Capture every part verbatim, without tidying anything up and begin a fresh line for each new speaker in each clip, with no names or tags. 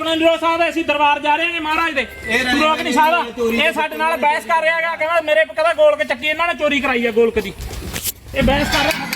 नहीं रोक सकते, ਅਸੀਂ दरबार जा रहे हैं महाराज दे, तू रोक नहीं सकदा। ਇਹ ਸਾਡੇ ਨਾਲ ਬਹਿਸ ਕਰ ਰਿਹਾ ਹੈਗਾ, ਕਹਿੰਦਾ ਮੇਰੇ ਕਹਿੰਦਾ ਗੋਲਕ ਚੱਕੀ ਇਹਨਾਂ ਨੇ ਚੋਰੀ ਕਰਾਈ ਹੈ ਗੋਲਕ ਦੀ, ਇਹ ਬਹਿਸ ਕਰ ਰਿਹਾ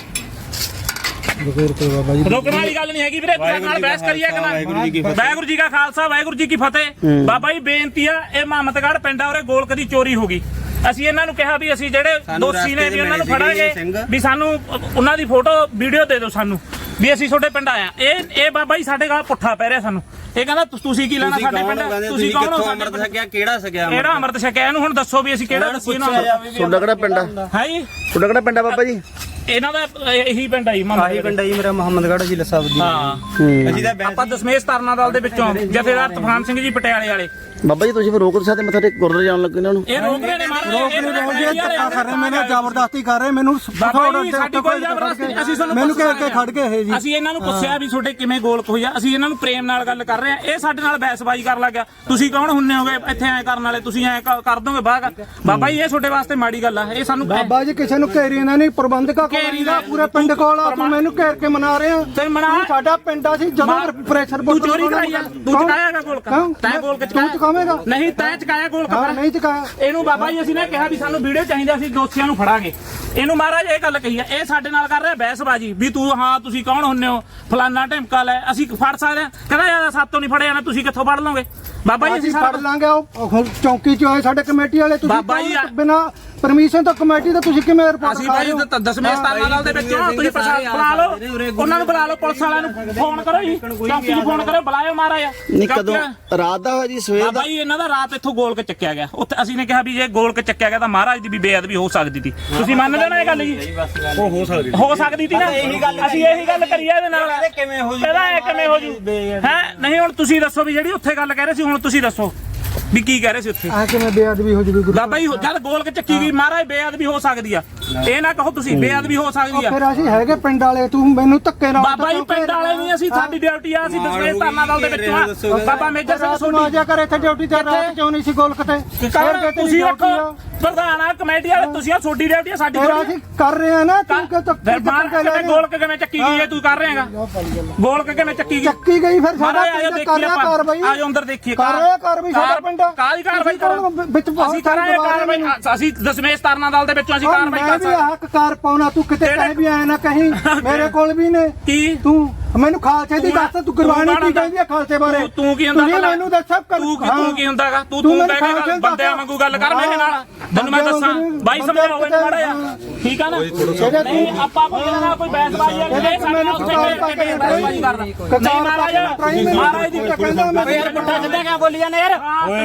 ਰੋਕਣ ਵਾਲੀ ਗੱਲ ਨਹੀਂ ਹੈਗੀ ਵੀਰੇ, ਤੁਹਾਡੇ ਨਾਲ ਬਹਿਸ ਕਰੀਏ ਕਿ ਨਾ। ਵਾਹਿਗੁਰੂ ਜੀ ਕਾ ਖਾਲਸਾ ਵਾਹਿਗੁਰੂ ਜੀ ਕੀ ਫਤਿਹ। ਬਾਬਾ ਜੀ ਬੇਨਤੀ ਆ, ਇਹ ਮਾਮਤਗੜ੍ਹ ਪਿੰਡ ਆ, ਉਰੇ ਗੋਲਕ ਦੀ ਚੋਰੀ ਹੋ ਗਈ। ਅਸੀਂ ਇਹਨਾਂ ਨੂੰ ਕਿਹਾ ਵੀ ਅਸੀਂ ਜਿਹੜੇ ਦੋਸ਼ੀ ਨੇ ਵੀ ਉਹਨਾਂ ਨੂੰ ਫੜਾਂਗੇ, ਵੀ ਸਾਨੂੰ ਉਹਨਾਂ ਦੀ ਫੋਟੋ ਵੀਡੀਓ ਦੇ ਦਿਓ ਸਾਨੂੰ, ਵੀ ਅਸੀਂ ਤੁਹਾਡੇ ਪਿੰਡ ਆਇਆ। ਇਹ ਇਹ ਬਾਬਾ ਜੀ ਸਾਡੇ ਨਾਲ ਪੁੱਠਾ ਪੈ ਰਿਹਾ ਸਾਨੂੰ, ਇਹ ਕਹਿੰਦਾ ਤੁਸੀਂ ਕੀ ਲੈਣਾ ਸਾਡੇ ਪਿੰਡ, ਤੁਸੀਂ ਕੌਣ ਹੋ, ਅੰਮ੍ਰਿਤ ਛਕਿਆ ਕਿਹੜਾ ਛਕਿਆ, ਕਿਹੜਾ ਅੰਮ੍ਰਿਤ ਛਕਿਆ, ਇਹਨੂੰ ਹੁਣ ਦੱਸੋ ਵੀ ਅਸੀਂ ਕਿਹੜਾ ਦੱਸੀਏ ਨਾ।
ਤੁਹਾਡਾ ਕਿਹੜਾ ਪਿੰਡ ਆ?
ਹੈ ਜੀ
ਤੁਹਾਡਾ ਕਿਹੜਾ ਪਿੰਡ ਆ ਬਾਬਾ ਜੀ?
ਇਹਨਾਂ ਦਾ ਇਹੀ ਪਿੰਡ ਆ ਜੀ,
ਆਹੀ ਪਿੰਡ ਆ ਜੀ ਮੇਰਾ, ਮੁਹੰਮਦਗੜ੍ਹ ਜ਼ਿਲ੍ਹਾ ਸਾਹਿਬ ਦੀ।
ਹਾਂ ਅਸੀਂ ਤਾਂ ਆਪਾਂ ਦਸਮੇਸ਼ ਤਰਨਾ ਦਲ ਦੇ ਵਿੱਚੋਂ ਜਥੇਦਾਰ ਤੂਫਾਨ ਸਿੰਘ ਜੀ ਪਟਿਆਲੇ ਵਾਲੇ।
ਬਾਬਾ ਜੀ ਤੁਸੀਂ ਫਿਰ ਰੋਕ ਸਕਦੇ ਮੱਥਾ ਟੇਕ ਗੁਰਦੁਆਰੇ ਜਾਣ ਲੱਗੇ ਇਹਨਾਂ ਨੂੰ?
ਇਹ ਰੋਕ ਰਹੇ ਨੇ ਮਹਾਰਾਜ,
ਰੋਕ ਨਹੀਂ ਰਹੇ, ਧੱਕਾ ਕਰ ਰਹੇ, ਮੈਨੂੰ ਜ਼ਬਰਦਸਤੀ ਕਰ ਰਹੇ, ਮੈਨੂੰ
ਸਾਡੀ ਕੋਈ ਜ਼ਬਰਦਸਤੀ, ਅਸੀਂ ਤੁਹਾਨੂੰ
ਮੈਨੂੰ ਕਹਿ ਕੇ ਖੜ ਗਏ ਇਹ ਜੀ।
ਅਸੀਂ ਇਹਨਾਂ ਨੂੰ ਪੁੱਛਿਆ ਵੀ ਤੁਹਾਡੇ ਕਿਵੇਂ ਗੋਲਕ ਹੋਈ ਆ, ਅਸੀਂ ਇਹਨਾਂ ਨੂੰ ਪ੍ਰੇਮ ਨਾਲ ਗੱਲ ਕਰ ਰਹੇ ਆ, ਇਹ ਸਾਡੇ ਨਾਲ ਬਹਿਸਬਾਜ਼ੀ ਕਰਨ ਲੱਗ ਗਿਆ। ਤੁਸੀਂ ਕੌਣ ਹੁੰਨੇ ਹੋਗੇ ਇੱਥੇ ਐ ਕਰਨ ਵਾਲੇ, ਤੁਸੀਂ ਐ ਕਰ ਦੋਗੇ ਬਾਹਰ। ਬਾਬਾ ਜੀ ਇਹ ਤੁਹਾਡੇ ਵਾਸਤੇ ਮਾੜੀ ਗੱਲ ਆ, ਇਹ ਸਾਨੂੰ
ਬਾਬਾ ਜੀ ਕਿਸੇ ਨੂੰ ਘੇਰੀ ਇਹਨਾਂ ਨੇ, ਪ੍ਰਬੰਧਕਾਂ ਘੇਰੀ ਦਾ ਪੂਰੇ ਪਿੰਡ ਕੋਲ ਆ, ਤੂੰ ਮੈਨੂੰ ਘੇਰ ਕੇ ਮਨਾ ਰਹੇ ਆ।
ਤੇ ਮਨਾ
ਸਾਡਾ ਪਿੰਡ ਆ ਸੀ, ਜਦੋਂ ਪ੍ਰੈਸ਼ਰ
ਤੂੰ ਚੋਰੀ ਕਰਾਈ ਆ, ਤੂੰ ਚਕਾਇਆਗਾ ਗੋਲਕ, ਤੈਂ ਗੋਲਕ
ਤੂੰ ਚਕਾਵੇਂਗਾ
ਨਹੀਂ, ਤੈਂ ਚਕਾਇਆ ਗੋਲਕ
ਨਹੀਂ ਚਕਾਇਆ।
ਇਹਨੂੰ ਬਾਬਾ ਜੀ ਅਸੀਂ ਨੇ ਕਿਹਾ ਵੀ ਸਾਨੂੰ ਵੀਡੀਓ ਚਾਹੀਦਾ, ਅਸੀਂ ਦੋਸ਼ੀਆਂ ਨੂੰ ਫੜਾਂਗੇ। ਇਹਨੂੰ ਮਹਾਰਾਜ ਇਹ ਗੱਲ ਕਹੀ ਆ, ਇਹ ਸਾਡੇ ਨਾਲ ਕਰ ਰਿਹਾ ਬਹਿਸਬਾਜ਼ੀ ਵੀ ਤੂੰ ਹਾਂ ਤੁਸੀਂ ਕੌਣ ਹੁੰਨੇ ਹੋ, ਫਲਾਨਾ ਢਿਮਕਾ ਲੈ, ਅਸੀਂ ਫੜ ਸਕਦੇ ਆ। ਕਹਿੰਦਾ ਯਾਰ ਸਾਤੋਂ ਨਹੀਂ ਫੜਿਆ ਜਾਣਾ, ਤੁਸੀਂ ਕਿੱਥੋਂ ਫੜ ਲਓਗੇ? ਬਾਬਾ ਜੀ ਅਸੀਂ
ਫੜ ਲਾਂਗੇ, ਉਹ ਚੌਂਕੀ ਚ ਆਏ ਸਾਡੇ ਕਮੇਟੀ ਵਾਲੇ,
ਬਾਬਾ ਜੀ
ਬਿਨਾ ਪਰਮਿਸ਼ਨ ਤੋਂ ਕਮੇਟੀ ਦਾ ਤੁਸੀਂ ਕਿਵੇਂ ਰਿਪੋਰਟ?
ਅਸੀਂ ਭਾਈ ਦਸਵੇਂ ਸਥਾਨਾਂ ਦਲ ਦੇ ਵਿੱਚ ਤੁਸੀਂ ਪ੍ਰਸ਼ਾਸਨ ਬੁਲਾ ਲਓ, ਉਹਨਾਂ ਨੂੰ ਬੁਲਾ ਲਓ, ਪੁਲਿਸ ਵਾਲਿਆਂ ਨੂੰ ਫੋਨ ਕਰੋ ਜੀ, ਚੌਂਕੀ ਨੂੰ ਫੋਨ ਕਰੋ, ਬੁਲਾਇਓ ਮਹਾਰਾਜ।
ਨਹੀਂ ਕਦੋਂ ਰਾਤ ਦਾ ਹੋਇਆ ਜੀ, ਸਵੇਰ ਦਾ?
ਭਾਈ ਇਹਨਾਂ ਦਾ ਰਾਤ ਇੱਥੋਂ ਗੋਲਕ ਚੱਕਿਆ ਗਿਆ, ਉੱਥੇ ਅਸੀਂ ਨੇ ਕਿਹਾ ਵੀ ਜੇ ਗੋਲਕ ਚੱਕਿਆ ਗਿਆ ਤਾਂ ਮਹਾਰਾਜ ਦੀ ਵੀ ਬੇਅਦਬੀ ਹੋ ਸਕਦੀ ਸੀ। ਤੁਸੀਂ ਮੰਨਦੇ ਹੋ ਨਾ ਇਹ ਗੱਲ ਜੀ?
ਉਹ ਹੋ ਸਕਦੀ
ਹੋ ਸਕਦੀ ਸੀ ਨਾ, ਅਸੀਂ ਇਹੀ ਗੱਲ ਕਰੀ ਇਹਦੇ ਨਾਲ।
ਕਿਵੇਂ ਹੋ ਜੂ,
ਇਹਦਾ ਇਹ ਕਿਵੇਂ ਹੋ ਜੂ ਹੈ? ਨਹੀਂ ਹੁਣ ਤੁਸੀਂ ਦੱਸੋ ਵੀ ਜਿਹੜੀ ਉੱਥੇ ਗੱਲ ਕਹਿ ਰਹੇ ਸੀ, ਹੁਣ ਤੁਸੀਂ ਦੱਸੋ ਵੀ ਕੀ ਕਹਿ ਰਹੇ ਸੀ ਉੱਥੇ?
ਆ ਕਿਵੇਂ ਬੇਅਦਬੀ ਹੋ ਜੂਗੀ?
ਬਾਬਾ ਜੀ ਜਦ ਗੋਲਕ ਚੱਕੀ ਗਈ ਮਹਾਰਾਜ ਬੇਅਦਬੀ ਹੋ ਸਕਦੀ ਆ, ਇਹ ਨਾ ਕਹੋ ਤੁਸੀਂ ਬੇਅਦਬੀ ਹੋ ਸਕਦੀ ਆ।
ਫਿਰ ਅਸੀਂ ਹੈਗੇ ਪਿੰਡ ਵਾਲੇ, ਤੂੰ ਮੈਨੂੰ ਧੱਕੇ ਨਾਲ।
ਬਾਬਾ ਜੀ ਪਿੰਡ ਵਾਲੇ ਨਹੀਂ, ਅਸੀਂ ਸਾਡੀ ਡਿਊਟੀ ਆ, ਅਸੀਂ ਦਸਵੇਂ ਧਰਨਾ ਦਲ ਦੇ ਵਿੱਚੋਂ ਆ। ਬਾਬਾ ਮੇਜਰ ਸਿੰਘ
ਸੋਢੀ ਆ ਜਾ ਕਰ ਇੱਥੇ ਡਿਊਟੀ ਤੇ, ਰਾਤ ਕਿਉਂ ਨਹੀਂ ਸੀ ਗੋਲਕ ਤੇ?
ਤੁਸੀਂ ਰੱਖੋ ਪ੍ਰਧਾਨ ਆ ਕਮੇਟੀ ਵਾਲੇ, ਤੁਸੀਂ ਆ ਤੁਹਾਡੀ ਡਿਊਟੀ ਆ, ਸਾਡੀ
ਅਸੀਂ ਕਰ ਰਹੇ ਆ ਨਾ। ਤੂੰ ਕਿ
ਗੋਲਕ ਕਿਵੇਂ ਚੱਕੀ ਗਈ ਹੈ, ਤੂੰ ਕਰ ਰਹੇ ਹੈਗਾ ਗੋਲਕ ਕਿਵੇਂ ਚੱਕੀ ਗਈ?
ਚੱਕੀ ਗਈ ਫਿਰ ਸਾਡਾ ਕਰ ਰਿਹਾ ਕਾਰਵਾਈ,
ਆਜੋ ਅੰਦਰ ਦੇਖੀਏ
ਕਰ ਰਿਹਾ ਕਾਰਵਾਈ ਸਾਡਾ ਪਿੰਡ।
ਕਾਹਦੀ ਕਾਰਵਾਈ ਕਰੋ
ਵਿੱਚ
ਅਸੀਂ ਕਰਾਂਗੇ ਕਾਰਵਾਈ, ਅਸੀਂ ਦਸਵੇਂ ਤਰਨਾ ਦਲ ਦੇ ਵਿੱਚੋਂ ਅਸੀਂ ਕਾਰਵਾਈ ਕਰ ਸਕਦੇ
ਹਾਂ। ਹੱਕ ਕਾਰ ਪਾਉਣਾ, ਤੂੰ ਕਿਤੇ ਕਹੇ ਵੀ ਆਇਆ ਨਾ ਕਹੀਂ, ਮੇਰੇ ਕੋਲ ਵੀ ਨੇ।
ਕੀ
ਤੂੰ ਮੈਨੂੰ ਖਾਲਸੇ ਦੀ ਦੱਸ, ਤੂੰ ਗੁਰਬਾਣੀ ਕੀ ਕਹਿੰਦੀ ਹੈ ਖਾਲਸੇ ਬਾਰੇ?
ਤੂੰ ਕੀ ਹੁੰਦਾ
ਮੈਨੂੰ ਦੱਸ।
ਤੂੰ ਤੂੰ ਕੀ ਹੁੰਦਾਗਾ? ਤੂੰ ਤੂੰ ਬਹਿ ਕੇ ਬੰਦਿਆਂ ਵਾਂਗੂ ਗੱਲ ਕਰ ਮੇਰੇ ਨਾਲ, ਤੈਨੂੰ ਮੈਂ ਦੱਸਾਂ ਬਾਈ ਸਮਝਾਓ ਇਹਨੂੰ ਮਾੜਾ ਜਿਹਾ, ਠੀਕ ਆ ਨਾ? ਨਹੀਂ ਆਪਾਂ ਕੋਈ ਨਾ ਕੋਈ ਬਹਿਸਬਾਜ਼ੀ ਵਾਲੀ
ਮੈਨੂੰ
ਬਹਿਸਬਾਜ਼ੀ ਕਰਦਾ ਨਹੀਂ ਮਹਾਰਾਜ, ਮਹਾਰਾਜ ਦੀ ਕਹਿੰਦਾ ਮੈਂ ਫੇਰ ਪੁੱਠਾ ਸਿੱਧਾ ਕਿਉਂ ਬੋਲੀ ਜਾਂਦੇ ਯਾਰ?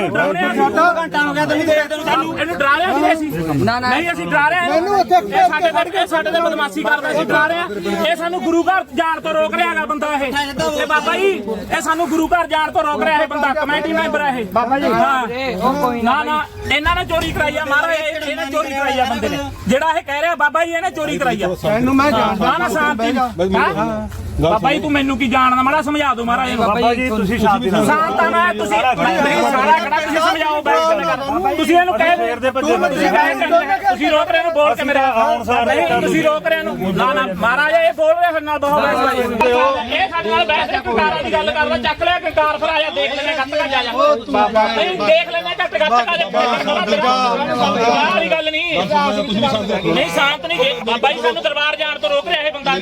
ਸਾਡਾ ਘੰਟਾ ਹੋ ਗਿਆ ਤੈਨੂੰ ਦੇਖਦੇ ਨੂੰ, ਸਾਨੂੰ ਇਹਨੂੰ ਡਰਾ ਰਿਹਾ ਸੀ ਅਸੀਂ? ਨਹੀਂ ਅਸੀਂ ਡਰਾ ਰਹੇ,
ਮੈਨੂੰ ਉੱਥੇ
ਸਾਡੇ ਕਰਕੇ ਸਾਡੇ ਤੇ ਬਦਮਾਸ਼ੀ ਕਰਦਾ ਸੀ, ਡਰਾ ਰਿਹਾ। ਇਹ ਸਾਨੂੰ ਗੁਰੂ ਘਰ ਜਾਣ ਤੋਂ ਰੋਕ ਰਿਹਾ ਹੈਗਾ ਬੰਦਾ ਇਹ, ਇਹ ਬਾਬਾ ਜੀ ਇਹ ਸਾਨੂੰ ਗੁਰੂ ਘਰ ਜਾਣ ਤੋਂ ਰੋਕ ਰਿਹਾ ਇਹ ਬੰਦਾ, ਕਮੇਟੀ ਮੈਂਬਰ ਹੈ ਇਹ ਬਾਬਾ ਜੀ। ਹਾਂ ਨਾ ਨਾ ਇਹਨਾਂ ਨੇ ਚੋਰੀ ਕਰਾਈ ਆ ਮਹਾਰਾਜ, ਇਹਨੇ ਚੋਰੀ ਕਰਾਈ ਆ ਬੰਦੇ ਨੇ, ਜਿਹੜਾ ਇਹ ਕਹਿ ਰਿਹਾ ਬਾਬਾ ਜੀ ਇਹਨੇ ਚੋਰੀ ਕਰਾਈ ਆ।
ਇਹਨੂੰ ਮੈਂ ਜਾਣਦਾ
ਨਾ ਸ਼ਾਂਤੀ ਬਾਬਾ ਜੀ, ਤੂੰ ਮੈਨੂੰ ਕੀ ਜਾਣਦਾ ਮਾੜਾ ਸਮਝਾ ਦੋ ਮਹਾਰਾਜ ਨੂੰ। ਬਾਬਾ ਜੀ ਤੁਸੀਂ ਸ਼ਾਂਤੀ ਨਾਲ ਸ਼ਾਂਤ ਆ, ਮੈਂ ਤੁਸੀਂ ਸਾਰਾ ਖੜਾ ਤੁਸੀਂ ਸਮਝਾਓ ਬੈਠ, ਤੁਸੀਂ ਇਹਨੂੰ ਕਹਿ ਤੁਸੀਂ ਰੋਕ ਰਹੇ ਨੂੰ ਬੋਲ ਕੇ ਮੇਰੇ ਨਹੀਂ, ਤੁਸੀਂ ਰੋਕ ਰਹੇ ਨੂੰ ਨਾ ਨਾ ਮਹਾਰਾਜ ਇਹ ਬੋਲ ਰਿਹਾ ਫਿਰ ਨਾਲ ਬਹੁਤ ਬਹਿਸ, ਇਹ ਸਾਡੇ ਨਾਲ ਬਹਿਸ ਹੈ, ਕੰਕਾਰਾਂ ਦੀ ਗੱਲ ਕਰਦਾ, ਚੱਕ ਲਿਆ ਕੰਕਾਰ ਫਿਰ ਆਇਆ ਦੇਖ ਲੈਣੇ ਕੱਟ ਕੱਟ ਜਾ ਜਾ, ਨਹੀਂ ਦੇਖ ਲੈਣੇ ਕੱਟ ਕੱਟ ਆ ਜਾ, ਵਾਲੀ ਗੱਲ ਨਹੀਂ ਨਹੀਂ ਸ਼ਾਂਤ ਨਹੀਂ। ਬਾਬਾ ਜੀ ਸਾਨੂੰ ਦਰਬਾਰ ਜਾਣ ਤੋਂ ਰੋਕ ਰਿਹਾ ਇਹ ਬੰਦਾ,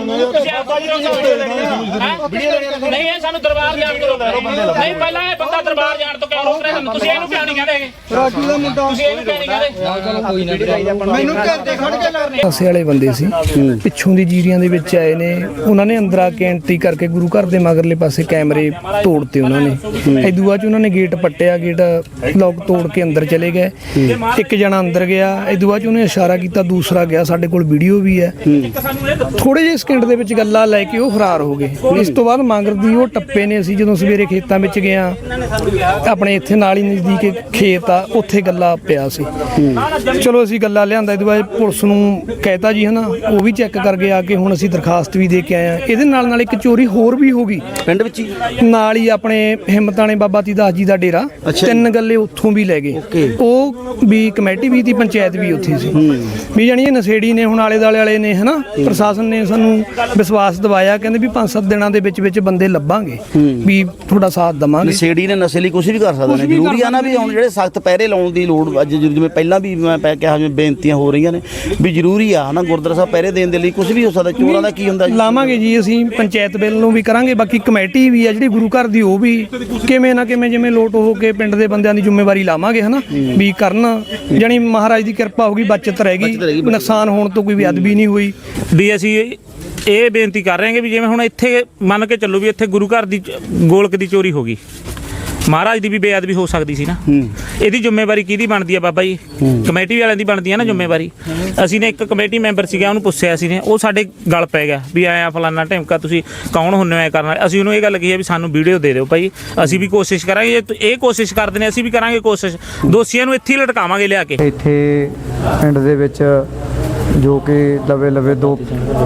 ਨਹੀਂ ਇਹ ਸਾਨੂੰ ਦਰਬਾਰ ਜਾਣ ਤੋਂ ਰੋਕ ਰਿਹਾ ਨਹੀਂ, ਪਹਿਲਾਂ ਇਹ ਬੰਦਾ ਦਰਬਾਰ ਜਾਣ ਤੋਂ ਕਿਉਂ ਰੋਕ ਰਿਹਾ ਸਾਨੂੰ? ਤੁਸੀਂ ਇਹਨੂੰ ਕਿਉਂ ਨਹੀਂ ਕਹਿੰਦੇ?
ਰਾਜੂ ਦਾ ਮੁੰਡਾ
ਤੁਸੀਂ ਇਹਨੂੰ ਕਿਉਂ ਨਹੀਂ ਕਹਿੰਦੇ?
ਮੈਨੂੰ ਘੰਟੇ ਖੜ ਕੇ ਲੜਨੇ
ਪਾਸੇ ਵਾਲੇ ਬੰਦੇ ਸੀ, ਪਿੱਛੋਂ ਦੀ ਜੀਰੀਆਂ ਦੇ ਵਿੱਚ ਆਏ ਨੇ, ਉਹਨਾਂ ਨੇ ਅੰਦਰ ਆ ਕੇ ਐਂਟਰੀ ਕਰਕੇ ਗੁਰੂ ਘਰ ਦੇ ਮਗਰਲੇ ਪਾਸੇ ਕੈਮਰੇ ਤੋੜਤੇ ਉਹਨਾਂ ਨੇ। ਇਦੋਂ ਬਾਅਦ ਉਹਨਾਂ ਨੇ ਗੇਟ ਪੱਟਿਆ, ਗੇਟ ਲੋਕ ਤੋੜ ਕੇ ਅੰਦਰ ਚਲੇ ਗਏ। ਇੱਕ ਜਣਾ ਅੰਦਰ ਗਿਆ, ਇਦੋਂ ਬਾਅਦ ਉਹਨੇ ਇਸ਼ਾਰਾ ਕੀਤਾ, ਦੂਸਰਾ ਗਿਆ, ਸਾਡੇ ਕੋਲ ਵੀਡੀਓ ਵੀ ਹੈ। ਥੋੜੇ ਜਿਹੇ ਸਕਿੰਟ ਦੇ ਵਿੱਚ ਗੱਲਾਂ ਲੈ ਕੇ ਉਹ ਫਰਾਰ ਹੋ ਗਏ। ਇਸ ਤੋਂ ਬਾਅਦ ਮਗਰ ਦੀ ਉਹ ਟੱਪੇ ਨੇ। ਅਸੀਂ ਜਦੋਂ ਸਵੇਰੇ ਖੇਤਾਂ ਵਿੱਚ ਗਿਆ ਆਪਣੇ ਆਪਣੇ ਇੱਥੇ ਨਾਲ ਹੀ ਨਜ਼ਦੀਕ ਇੱਕ ਖੇਤ ਆ, ਉੱਥੇ ਗੱਲਾ ਪਿਆ ਸੀ। ਚਲੋ ਅਸੀਂ ਗੱਲਾ ਲਿਆਂਦਾ, ਇਹਦੇ ਬਾਅਦ ਪੁਲਿਸ ਨੂੰ ਕਹਿਤਾ ਜੀ ਹਨਾ, ਉਹ ਵੀ ਚੈੱਕ ਕਰਕੇ ਆ ਕੇ ਹੁਣ ਅਸੀਂ ਦਰਖਾਸਤ ਵੀ ਦੇ ਕੇ ਆਏ ਆ। ਇਹਦੇ ਨਾਲ ਨਾਲ ਇੱਕ ਚੋਰੀ ਹੋਰ ਵੀ ਹੋ ਗਈ
ਪਿੰਡ ਵਿੱਚ ਹੀ
ਨਾਲ ਹੀ, ਆਪਣੇ ਹਿੰਮਤਾਣੇ ਬਾਬਾ ਤੀਦਾਸ ਜੀ ਦਾ ਡੇਰਾ, ਤਿੰਨ ਗੱਲੇ ਉੱਥੋਂ ਵੀ ਲੈ ਗਏ। ਉਹ ਵੀ ਕਮੇਟੀ ਵੀ ਦੀ ਪੰਚਾਇਤ ਵੀ ਉੱਥੇ ਸੀ ਵੀ, ਜਾਣੀ ਇਹ ਨਸ਼ੇੜੀ ਨੇ ਹੁਣ ਆਲੇ ਦੁਆਲੇ ਵਾਲੇ ਨੇ ਹਨਾ, ਪ੍ਰਸ਼ਾਸਨ ਨੇ ਸਾਨੂੰ ਵਿਸ਼ਵਾਸ ਦਿਵਾਇਆ, ਕਹਿੰਦੇ ਵੀ ਪੰਜ ਸੱਤ ਦਿਨਾਂ ਦੇ ਵਿੱਚ ਵਿੱਚ ਬੰਦੇ ਲੱਭਾਂਗੇ ਵੀ ਤੁਹਾਡਾ ਸਾਥ ਦਵਾਂਗੇ।
ਨਸ਼ੇੜੀ ਨੇ ਨਸ਼ੇ ਲਈ ਕੁਝ ਵੀ ਕਰ ਸਕਦੇ ਨੇ, ਜ਼ਰੂਰੀ ਆ ਨਾ ਵੀ ਹੁਣ ਜਿਹੜੇ ਸਖਤ ਪਹਿਰੇ ਲਾਉਣ ਦੀ ਲੋੜ ਅੱਜ ਜਿਵੇਂ ਪਹਿਲਾਂ ਵੀ ਮੈਂ ਪੈ ਕਿਹਾ ਜਿਵੇਂ ਬੇਨਤੀਆਂ ਹੋ ਰਹੀਆਂ ਨੇ ਵੀ ਜ਼ਰੂਰੀ ਆ ਹਨਾ, ਗੁਰਦੁਆਰਾ ਸਾਹਿਬ ਪਹਿਰੇ ਦੇਣ ਦੇ ਲਈ ਕੁਝ ਵੀ ਹੋ ਸਕਦਾ। ਚੋਰਾਂ ਦਾ ਕੀ ਹੁੰਦਾ ਜੀ?
ਲਾਵਾਂਗੇ ਜੀ ਅਸੀਂ ਪੰਚਾਇਤ ਬਿੱਲ ਨੂੰ ਵੀ ਕਰਾਂਗੇ, ਬਾਕੀ ਕਮੇਟੀ ਵੀ ਆ ਜਿਹੜੀ ਗੁਰੂ ਘਰ ਦੀ, ਉਹ ਵੀ ਕਿਵੇਂ ਨਾ ਕਿਵੇਂ ਜਿਵੇਂ ਲੋਟ ਹੋ ਕੇ ਪਿੰਡ ਦੇ ਬੰਦਿਆਂ ਦੀ ਜ਼ਿੰਮੇਵਾਰੀ ਲਾਵਾਂਗੇ ਹਨਾ ਵੀ ਕਰਨ, ਜਾਣੀ ਮਹਾਰਾਜ ਦੀ ਕਿਰਪਾ ਹੋ ਗਈ, ਬਚਤ ਰਹਿ ਗਈ, ਨੁਕਸਾਨ ਹੋਣ ਤੋਂ ਕੋਈ ਬੇਅਦਬੀ ਨਹੀਂ ਹੋਈ।
ਵੀ ਅਸੀਂ ਇਹ ਬੇਨਤੀ ਕਰ ਰਹੇ ਹਾਂ ਕਿ ਵੀ ਜਿਵੇਂ ਹੁਣ ਇੱਥੇ ਮੰਨ ਕੇ ਚੱਲੋ ਵੀ ਇੱਥੇ ਗੁਰੂ ਘਰ ਦੀ ਗੋਲਕ ਦੀ ਚੋਰੀ ਹੋ ਗਈ, ਮਹਾਰਾਜ ਦੀ ਵੀ ਬੇਅਦਬੀ ਹੋ ਸਕਦੀ ਸੀ ਨਾ, ਇਹਦੀ ਜ਼ਿੰਮੇਵਾਰੀ ਕਿਹਦੀ ਬਣਦੀ ਆ ਬਾਬਾ ਜੀ? ਕਮੇਟੀ ਵਾਲਿਆਂ ਦੀ ਬਣਦੀ ਆ ਨਾ ਜ਼ਿੰਮੇਵਾਰੀ। ਅਸੀਂ ਨੇ ਇੱਕ ਕਮੇਟੀ ਮੈਂਬਰ ਸੀਗਾ, ਉਹਨੂੰ ਪੁੱਛਿਆ ਸੀ ਨੇ, ਉਹ ਸਾਡੇ ਗਲ ਪੈ ਗਿਆ ਵੀ ਆਇਆ ਫਲਾਨਾ ਢਿਮਕਾ, ਤੁਸੀਂ ਕੌਣ ਹੁੰਦੇ ਹੋ ਐ ਕਰਨ ਵਾਲੇ? ਅਸੀਂ ਉਹਨੂੰ ਇਹ ਗੱਲ ਕਹੀ ਹੈ ਵੀ ਸਾਨੂੰ ਵੀਡੀਓ ਦੇ ਦਿਓ ਭਾਈ, ਅਸੀਂ ਵੀ ਕੋਸ਼ਿਸ਼ ਕਰਾਂਗੇ, ਜੇ ਇਹ ਕੋਸ਼ਿਸ਼ ਕਰਦੇ ਨੇ ਅਸੀਂ ਵੀ ਕਰਾਂਗੇ ਕੋਸ਼ਿਸ਼, ਦੋਸ਼ੀਆਂ ਨੂੰ ਇੱਥੇ ਹੀ ਲਟਕਾਵਾਂਗੇ ਲਿਆ ਕੇ।
ਇੱਥੇ ਪਿੰਡ ਦੇ ਵਿੱਚ ਜੋ ਕਿ ਲਵੇ ਲਵੇ ਦੋ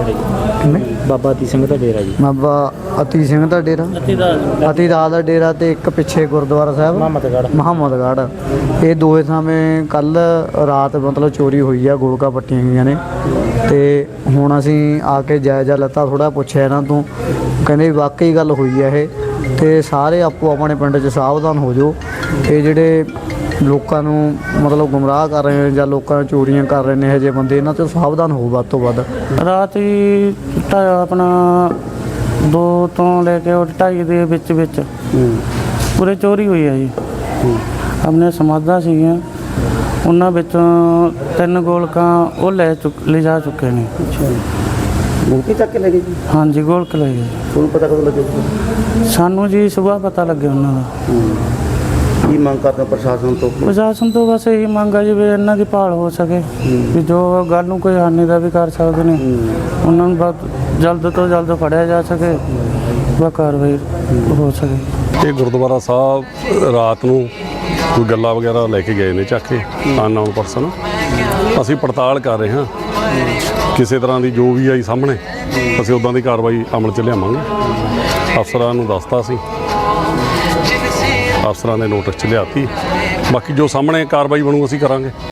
ਬਾਬਾ ਅਤੀ ਸਿੰਘ ਦਾ ਡੇਰਾ ਜੀ,
ਬਾਬਾ ਅਤੀ ਸਿੰਘ ਦਾ ਡੇਰਾ, ਅਤੀ ਦਾਸ ਦਾ ਡੇਰਾ ਤੇ ਇੱਕ ਪਿੱਛੇ ਗੁਰਦੁਆਰਾ ਸਾਹਿਬ ਮੁਹੰਮਦਗੜ੍ਹ, ਇਹ ਦੋਵੇਂ ਥਾਵੇਂ ਕੱਲ ਰਾਤ ਮਤਲਬ ਚੋਰੀ ਹੋਈ ਆ, ਗੋਲਕਾਂ ਪੱਟੀਆਂ ਹੋਈਆਂ ਨੇ। ਤੇ ਹੁਣ ਅਸੀਂ ਆ ਕੇ ਜਾਇਜ਼ਾ ਲੱਤਾ, ਥੋੜਾ ਪੁੱਛਿਆ ਇਹਨਾਂ ਤੋਂ, ਕਹਿੰਦੇ ਵਾਕਈ ਗੱਲ ਹੋਈ ਆ ਇਹ, ਤੇ ਸਾਰੇ ਆਪੋ ਆਪਣੇ ਪਿੰਡ 'ਚ ਸਾਵਧਾਨ ਹੋ ਜਾਓ। ਇਹ ਜਿਹੜੇ ਲੋਕਾਂ ਨੂੰ ਮਤਲਬ ਗੁੰਮਰਾਹ ਕਰ ਰਹੇ ਨੇ ਜਾਂ ਲੋਕਾਂ ਨੂੰ ਚੋਰੀਆਂ ਕਰ ਰਹੇ ਨੇ, ਇਹੋ ਜਿਹੇ ਬੰਦੇ, ਇਹਨਾਂ ਤੋਂ ਸਾਵਧਾਨ ਹੋ ਵੱਧ ਤੋਂ ਵੱਧ।
ਰਾਤ ਹੀ ਢਾ ਆਪਣਾ ਦੋ ਤੋਂ ਲੈ ਕੇ ਢਾਈ ਦੇ ਵਿੱਚ ਵਿੱਚ ਪੂਰੇ ਚੋਰੀ ਹੋਈ ਹੈ ਜੀ। ਆਪਣੇ ਸਮਾਧਾਂ ਸੀਗੀਆਂ, ਉਹਨਾਂ ਵਿੱਚੋਂ ਤਿੰਨ ਗੋਲਕਾਂ ਉਹ ਲੈ ਚੁੱਕ ਲਿਜਾ ਚੁੱਕੇ ਨੇ।
ਮੂੰਗੀ ਚੱਕ ਕੇ ਲੈ ਗਏ ਜੀ?
ਹਾਂਜੀ, ਗੋਲਕ ਲੈ ਗਏ।
ਤੁਹਾਨੂੰ ਪਤਾ ਕਦੋਂ ਲੱਗਿਆ?
ਸਾਨੂੰ ਜੀ ਸੁਬਾਹ ਪਤਾ ਲੱਗਿਆ ਉਹਨਾਂ ਦਾ।
ਕੀ ਮੰਗ ਕਰਦੇ ਪ੍ਰਸ਼ਾਸਨ ਤੋਂ?
ਪ੍ਰਸ਼ਾਸਨ ਤੋਂ ਬਸ ਇਹੀ ਮੰਗ ਆ ਜੀ ਵੀ ਇਹਨਾਂ ਦੀ ਭਾਲ ਹੋ ਸਕੇ, ਵੀ ਜੋ ਗੱਲ ਨੂੰ ਕੋਈ ਹਾਨੀ ਦਾ ਵੀ ਕਰ ਸਕਦੇ ਨੇ, ਉਹਨਾਂ ਨੂੰ ਬਹੁਤ ਜਲਦ ਤੋਂ ਜਲਦ ਫੜਿਆ ਜਾ ਸਕੇ, ਵਾ ਕਾਰਵਾਈ ਹੋ ਸਕੇ।
ਇਹ ਗੁਰਦੁਆਰਾ ਸਾਹਿਬ ਰਾਤ ਨੂੰ ਕੋਈ ਗੱਲਾਂ ਵਗੈਰਾ ਲੈ ਕੇ ਗਏ ਨੇ ਚੱਕ ਕੇ ਅਨਨੋਨ ਪਰਸਨ। ਅਸੀਂ ਪੜਤਾਲ ਕਰ ਰਹੇ ਹਾਂ, ਕਿਸੇ ਤਰ੍ਹਾਂ ਦੀ ਜੋ ਵੀ ਆਈ ਸਾਹਮਣੇ ਅਸੀਂ ਉੱਦਾਂ ਦੀ ਕਾਰਵਾਈ ਅਮਲ 'ਚ ਲਿਆਵਾਂਗੇ। ਅਫਸਰਾਂ ਨੂੰ ਦੱਸਤਾ ਸੀ, ਅਫਸਰਾਂ ਨੇ ਨੋਟਿਸ 'ਚ ਲਿਆਤੀ, ਬਾਕੀ ਜੋ ਸਾਹਮਣੇ ਕਾਰਵਾਈ ਬਣੂ ਅਸੀਂ ਕਰਾਂਗੇ।